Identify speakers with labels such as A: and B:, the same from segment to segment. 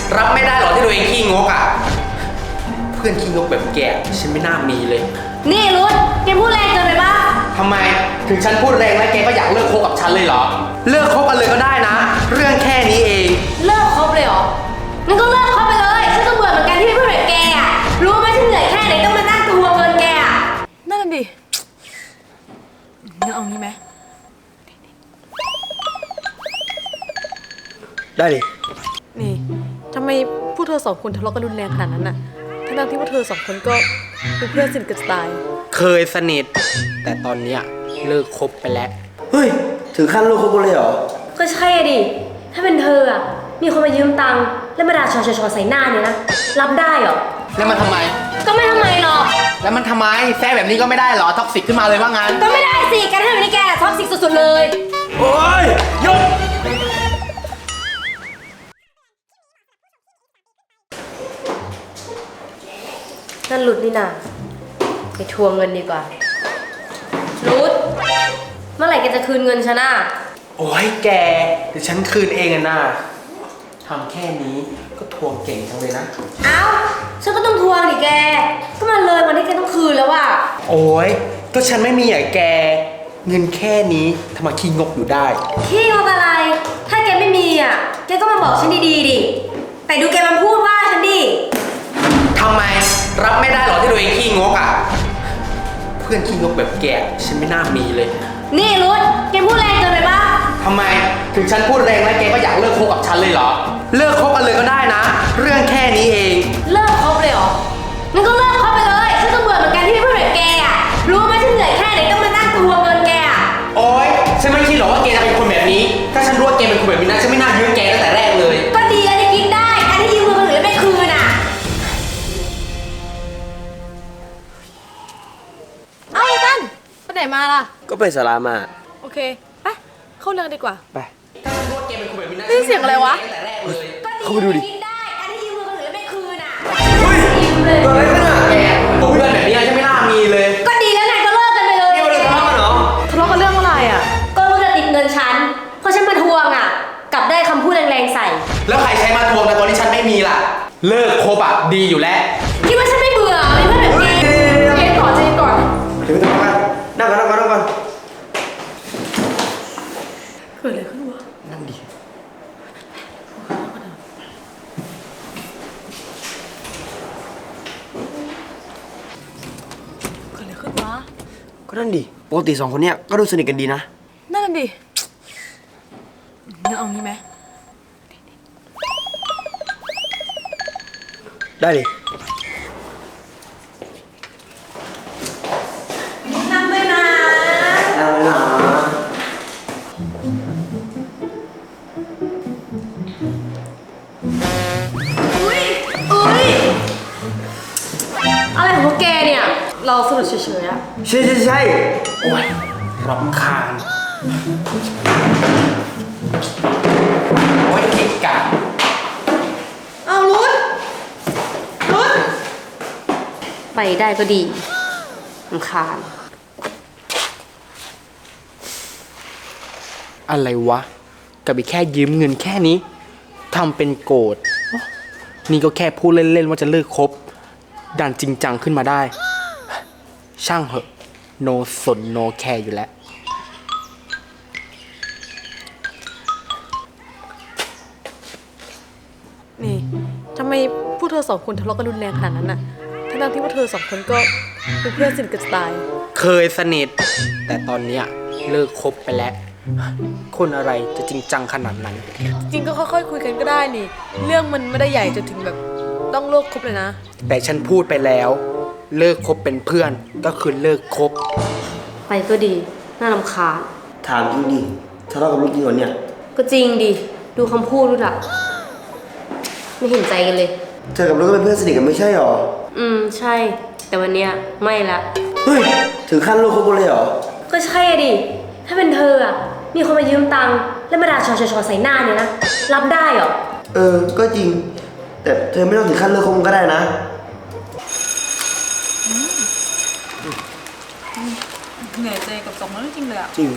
A: รับไม่ได้หรอที่ตัวเองขี้งกอ่ะเพื่อนขี้งกแบบแกฉันไม่น่ามีเลย
B: นี่รุดแกพูดแรงเกินไปป่ะ
A: ทำไมถึงฉันพูดแรงแล้วแกก็อยากเลิกคบกับฉันเลยเหรอเลิกคบกันเลยก็ได้นะเรื่องแค่นี้เอง
B: เลิกคบเลยเหรองั้นก็เลิกคบไปเลยฉันก็เบื่อเหมือนกันที่ไม่พูดแบบแกอ่ะรู้ไหมฉันเหนื่อยแค่ไหนต้องมาตั้งตัวเงินแกอ่ะ
C: นั่นดิงั้นเอางี้ไหม
A: ได้ดิ
C: นี่ทำไมพวกเธอสองคนทะเลาะกันรุนแรงขนาดนั้นน่ะทั้งที่พวกเธอสองคนก็เป็นเพื่อนสนิทกันจะตาย
A: เคยสนิทแต่ตอนเนี้ยเลิกคบไปแล้ว
D: เฮ้ยถึงขั้นเลิกคบกันเลยเหรอ
B: ก็ใช่ดิถ้าเป็นเธออ่ะมีคนมายืมตังค์แล้วมาด่าชอใส่หน้าเนี่ยนะรับได้เหรอ
A: แล้วมันทำไม
B: ก็ไม่ทำไมหรอก
A: แล้วมันทำไมแซ่แบบนี้ก็ไม่ได้เหรอท็อกซิกขึ้นมาเลยว่างั้น
B: ก็ไม่ได้สิการทำแบบนี้แกท็อกซิกสุดๆเลย
A: โอ๊ยหยุด
B: นั่นหลุดนี่นาไปทวงเงินดีกว่าหลุดเมื่อไหร่แกจะคืนเงินฉันอ่ะ
A: โอ้ยแกเดี๋ยวฉันคืนเองอะนะทำแค่นี้ก็ทวงเก่งจังเลยนะ
B: เอ้าฉันก็ต้องทวงดิแกก็มันเลยวันที่แกต้องคืนแล้วอ่ะ
A: โอ้ยก็ฉันไม่มีอย่างแกเงินแค่นี้ทำไมขี้งกอยู่ได้
B: ขี้งกอะไรถ้าแกไม่มีอ่ะแกก็มาบอกฉันดีๆดิแต่ดูแกมันพูดว่าฉันดิ
A: ทำไมรับไม่ได้หรอที่ตัวเองขี้งกอ่ะเพื่อนขี้งกแบบแกฉันไม่น่ามีเลย
B: นี่รุดแกพูดแรงเกินไปป่ะ
A: ทำไมถึงฉันพูดแรงแล้วแกก็อยากเลิกคบกับฉันเลยเหรอเลิกคบกันเลยก็ได้นะเรื่องแค่นี้เอง
B: เลิกคบเลยเหรองั้นก็เลิกคบไปเลยฉันก็เบื่อเหมือนกันที่ไม่พูดแบบแกอ่ะรู้ไหมฉันเหนื่อยแค่ไหนต้องมานั่งทวงเงินแกอ่ะ
A: โอ๊ยฉันไม่คิดหรอกว่าแกจะเป็นคนแบบนี้ถ้าฉันรู้ว่าแกเป็นคนแบบนี้นะฉันไม่น่ายืมแกตั้งแต่แรกเลย
B: ก็ดีอะไรกินได้การที่ยืมเงินคนอื่นแล้วไม่คืนอ่ะ
C: เอาตั้นไปไหนมาล่ะ
D: ก็ไปศาลามา
C: โอเคไปเข้าเรื่องดีกว่า
D: ไป
C: นี่เสียงอะไรวะ
D: เข้าไปดูดิ
B: การที่ยืมเงินคนอื่นแล้วไม่คืนอ่ะ
A: เฮ้ยเกิดอะไรขึ้นอ่ะแกผมเพื่อนแบบนี้ฉันไม่น่ามีเลย
B: ก็ดีแล้วไงก็เลิกกันไปเลย
A: นี่มันเรื่องทะเลาะกันเหรอ
C: ทะเลาะกันเรื่องอะไรอ่ะ
B: ก็รู้จะติดเงินฉันเพราะฉันมาทวงอ่ะกลับได้คำพูดแรงๆใส่
A: แล้วใครใช้มาทวงแต่ตอนนี้ฉันไม่มีล่ะเลิกคบอ่ะดีอยู่แล้ว
B: คิดว่าฉันไม่เบื่อไม่เพื่อนแบบนี้
C: เย็นก่อน
D: เดี๋ยวไปทำงานนั่งก่อน
C: เกิดอะไรขึ้นวะ
D: นั่งดิ
C: เกิดอะไรขึ้นวะ
D: ก็นั่นดิปกติสองคนเนี้ยก็ดูสนิทกันดีนะ
C: นั่นดิงั้นเอางี้ไหม
D: ได้ดิ
B: นั่งด้วยนะ
D: นั่งเลยนะ
B: อุ้ยอะไรของพวกแกเนี่ยเราสนุกเฉยๆอะ
D: ใช่
A: โอ้ยรำคาญโอ้ยเกะกะ
B: เอารุดไปได้ก็ดีรำคาญ
A: อะไรวะกับไปแค่ยืมเงินแค่นี้ทำเป็นโกรธนี่ก็แค่พูดเล่นๆว่าจะเลิกคบดันจริงจังขึ้นมาได้ช่างเหอะโนสนโนแคร์อยู่แล้ว
C: นี่ทำไมพวกเธอสองคนทะเลาะกันรุนแรงขนาดนั้นน่ะทั้งที่พวกเธอสองคนก็เป็นเพื่อนสนิทกันจะตาย
A: เคยสนิทแต่ตอนเนี้ยเลิกคบไปแล้วคนอะไรจะจริงจังขนาดนั้น
C: จริงก็ค่อยๆคุยกันก็ได้นี่เรื่องมันไม่ได้ใหญ่จนถึงแบบต้องเลิกคบเลยนะ
A: แต่ฉันพูดไปแล้วเลิกคบเป็นเพื่อนก็คือเลิกคบ
B: ไปก็ดีน่ารำคาญ
D: ถามจริงดิทะเลาะกับลูกจริงเหรอเนี่ย
B: ก็จริงดิดูคำพูดดูละไม่เห็นใจกันเลย
D: เธอกับลูกก็เป็นเพื่อนสนิทกันไม่ใช่หรอ
B: ใช่แต่วันเนี้ยไม่ละ
D: เฮ้ยถึงขั้นลูกคบกันเลยเหรอ
B: ก็ใช่ดิถ้าเป็นเธออ่ะมีคนมายืมตังค์แล้วมาด่าชอใส่หน้าเนี่ยนะรับได้เหรอ
D: ก็จริงแต่เธอไม่ต้องถึงขั้นเลิกคบกันก็ได้นะ
C: เหนื่อยใจกับสองคนจริงเลยอ่ะ
D: จริง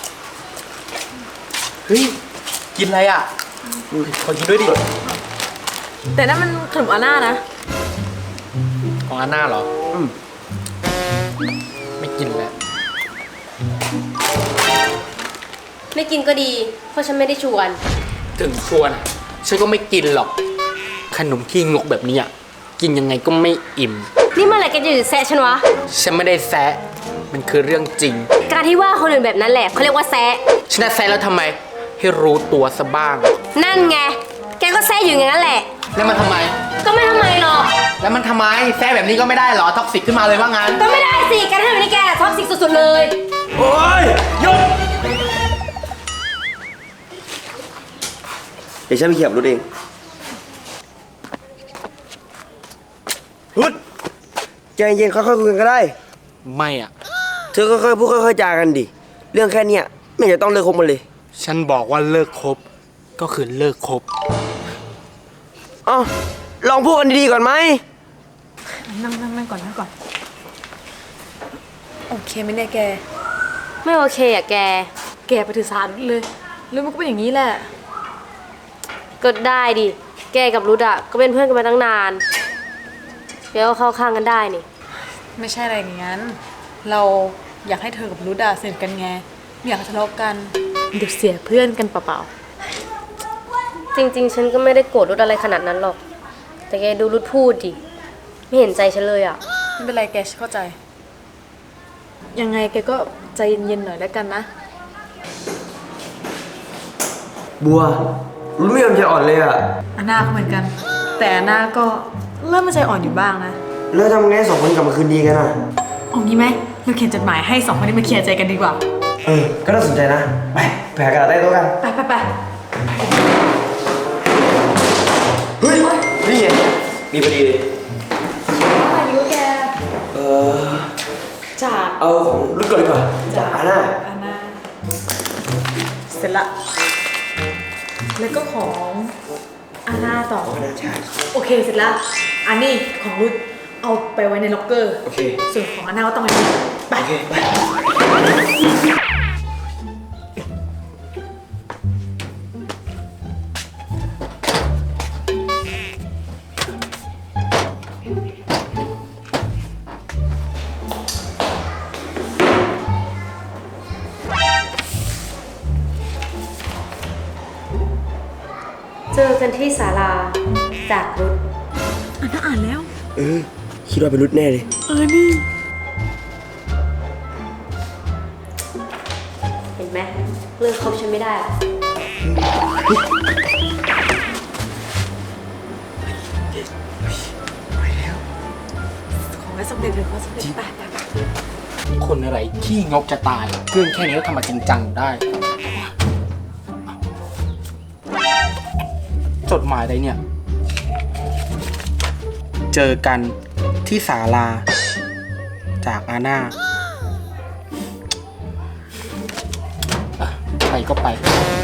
A: เฮ้ยกินอะไรอ่ะขอกินด้วยดิ
C: แต่นั่นมันขนมอาน่านะ
A: ของอาน่าเหรอ ไม่กินแล้ว
B: ไม่กินก็ดี เพราะฉันไม่ได้ชวน
A: ถึงชวนฉันก็ไม่กินหรอก ขนมขี้งกแบบนี้อ่ะกินยังไงก็ไม่อิ่ม
B: นี่เมื่อไหร่แกจะหยุดแซะฉันวะ
A: ฉันไม่ได้แซะมันคือเรื่องจริง
B: การที่ว่าคนอื่นแบบนั้นแหละเขาเรียกว่าแซะ
A: ฉันจะแซะแล้วทำไม ให้รู้ตัวซะบ้าง
B: นั่นไง แกก็แซะอยู่อย่างนั้นแหละ
A: แล้วมันทำไม
B: ก็ไม่ทำไมหรอก
A: แล้วมันทำไมแซะแบบนี้ก็ไม่ได้เหรอท็อกซิกขึ้นมาเลยว่างั้น
B: ก็ไม่ได้สิแกทำแบบนี้แกท็อกซิกสุดๆเลย
A: โอ้ยหยุด
D: เดี๋ยวฉันไปเขียบรถเองรุดใจเย็นค่อยๆคุยกันก็ได้
A: ไม่อ่ะ
D: เธอค่อยๆพูดค่อยๆจากันดิ เรื่องแค่เนี้ยไม่เห็นจะต้องเลิกคบมันเลย
A: ฉันบอกว่าเลิกคบก็คือเลิกคบ
D: อ้าวลองพูดกันดีๆก่อนไหม
C: นั่งก่อน โอเคไหมเนี่ยแก
B: ไม่โอเคอ่ะแก
C: แกไปถือสาเลยแล้วมันก็เป็นอย่างนี้แหละ
B: ก็ได้ดิ แกกับรุดอะก็เป็นเพื่อนกันมาตั้งนานเดี๋ยวเข้าข้างกันได้นี่
C: ไม่ใช่อะไรอย่างนั้น เราอยากให้เธอกับรุดาสนิทกันไงไม่อยากให้ทะเลาะกันเดี๋ยวเสียเพื่อนกันเปล่า
B: จริงๆ ฉันก็ไม่ได้โกรธรุดอะไรขนาดนั้นหรอก แต่แกดูรุดพูดดิ ไม่เห็นใจฉันเลยอะ
C: ๆไม่เป็นไรแกฉันเข้าใจ ยังไงแกก็ใจเย็นๆหน่อยแล้วกันนะ
D: บัวรู้ไม่ยอมใจอ่อนเลยอ่ะ
C: อาน่าก็เหมือนกัน แต่อาน่าก็เริ่มมาใจอ่อนอยู่บ้างนะ
D: แล้วทำไงให้สองคนกลับมาคืนดีกันอ่ะ
C: เอางี้ไหมเราเขียนจดหมายให้สองคนนี้มาเคลียร์ใจกันดีกว่า
D: ก็น่าสนใจนะ ไปหากระดาษใต้โต๊ะกัน
C: ไป
D: เฮ้ย นี่ไงมีพอดีเลย
C: อายุแก จาก
D: เอาของรุ่นก่อนดีกว่าจากอาน่า
C: อาน่าเสร็จละ แล้วก็ของอาน่าต่อ
D: น่าใช่
C: โอเคเสร็จแล้ว อันนี้ของรุดเอาไปไว้ในล็อกเกอร์
D: โอเค
C: ส่วนของอาน่าก็ต้องไว้นี่ไป
D: โอเค ไป
B: เจอกันที่ศาลาจากรุด
C: อาน่าอ่านแล้ว
D: คิดว่าเป็นรุ่นแน่เลย
C: นี่
B: เห็นไหมเลิกคบฉันไม่ได้อะ
C: ของไว้สำเร็จเลยขอสำเร็จไป
A: คนอะไรขี้งกจะตายเรื่องแค่นี้ก็ทำมาจริงจังได้ จดหมายอะไรเนี่ย เจอกันที่ศาลา จากอาน่าอ่ะไปก็ไป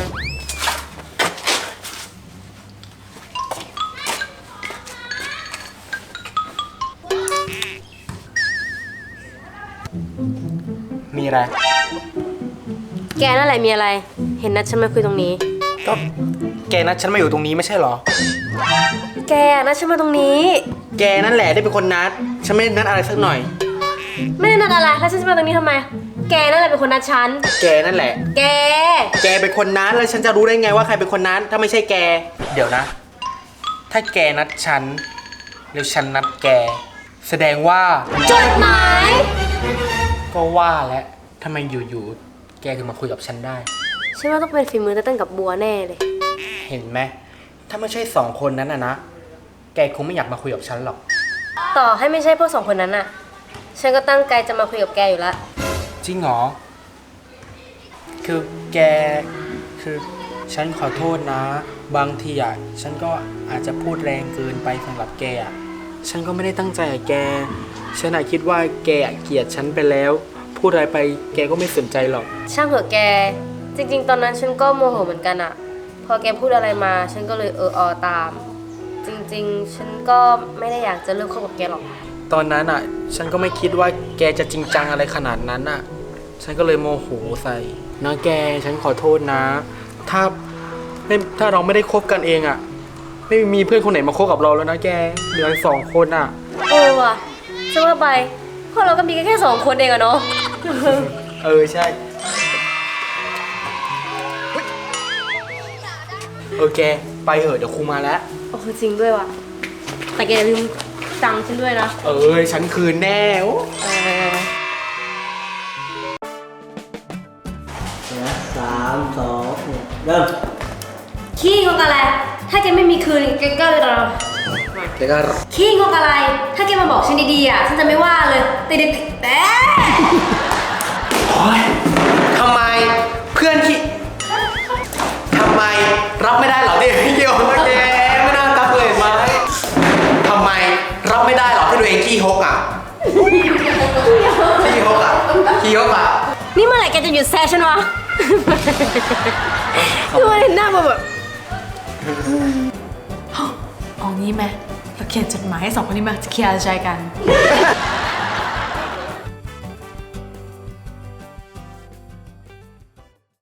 A: มีอะไร
B: แกนั่นแหละมีอะไร เห็นนัดฉันมาคุยตรงนี้
A: ก็แกนัดฉันมาอยู่ตรงนี้ไม่ใช่เหรอ
B: แกนัดฉันมาตรงนี้
A: แกนั่นแหละได้เป็นคนนัด ฉันไม่ได้นัดอะไรสักหน่อย
B: ไม่ได้นัดอะไร แล้วฉันจะมาตรงนี้ทำไม แกนั่นแหละเป็นคนนัดฉัน
A: แกนั่นแหละ
B: แก
A: แกเป็นคนนัดแล้วฉันจะรู้ได้ไงว่าใครเป็นคนนัดถ้าไม่ใช่แก เดี๋ยวนะ ถ้าแกนัดฉันแล้วฉันนัดแก แสดงว่า
B: จดหมาย
A: ก็ว่าแล้วทำไมอยู่ๆแกถึงมาคุยกับฉันได้
B: ฉันว่าต้องเป็นฝีมือเต้นกับบัวแน่เลย
A: เห็นไหมถ้าไม่ใช่สองคนนั้นนะแกคงไม่อยากมาคุยกับฉันหรอก
B: ต่อให้ไม่ใช่พวกสองคนนั้นน่ะ ฉันก็ตั้งใจจะมาคุยกับแกอยู่แล้ว
A: จริงเหรอ คือแก คือฉันขอโทษนะ บางทีอ่ะ ฉันก็อาจจะพูดแรงเกินไปสำหรับแกอ่ะ ฉันก็ไม่ได้ตั้งใจอะแก ฉันอะคิดว่าแกเกลียดฉันไปแล้ว พูดอะไรไปแกก็ไม่สนใจหรอก
B: ช่างเถอะแก จริง ๆ ตอนนั้นฉันก็โมโหเหมือนกันอะพอแกพูดอะไรมา ฉันก็เลยอตาม จริง ๆ ฉันก็ไม่ได้อยากจะเลิกคบกับแกหรอก
A: ตอนนั้นอ่ะ ฉันก็ไม่คิดว่าแกจะจริงจังอะไรขนาดนั้นอ่ะ ฉันก็เลยโมโหใส่นะแก ฉันขอโทษนะ ถ้าเราไม่ได้คบกันเองอ่ะไม่มีเพื่อนคนไหนมาคบกับเราแล้วนะแกเหลือสองคนอ่ะ
B: เออว่ะจะว่าไปพวกเราก็มีกันแค่2 คนเองอะเนาะ
A: เออใช่โอเคไปเถอะเดี๋ยวครูมาแล้ว
B: โอ้จริงด้วยว่ะ แต่แกอย่าลืมตังค์ฉันด้วยนะ
A: เออฉันคืนแน่โอ้
B: เออ
D: เริ่ม
B: ขี้งกอะไร ถ้าแกไม่มีคืนแกก็เลยเรา
A: แกก็
B: ขี้งกอะไร ถ้าแกมาบอกฉันดีๆอ่ะฉันจะไม่ว่าเลยแต่เด็กแต่
A: โอ๊ยทำไมเพื่อนที่ทำไมรับไม่ได้เหรอเด็กพี่เกียวนะแกไม่น่าตักเลยไหมทำไมรับไม่ได้เหรอที่ตัวเองขี้ฮกอ่ะขี้ฮกอ่ะขี้ฮกอ่ะ
B: นี่เมื่อไหร่แกจะหยุดแซะฉันวะ คือมันเห็นหน้ามาแบบ
C: เอางี้ไหมเราเขียนจดหมายให้2 คนนี้มาเคลียร์ใจกัน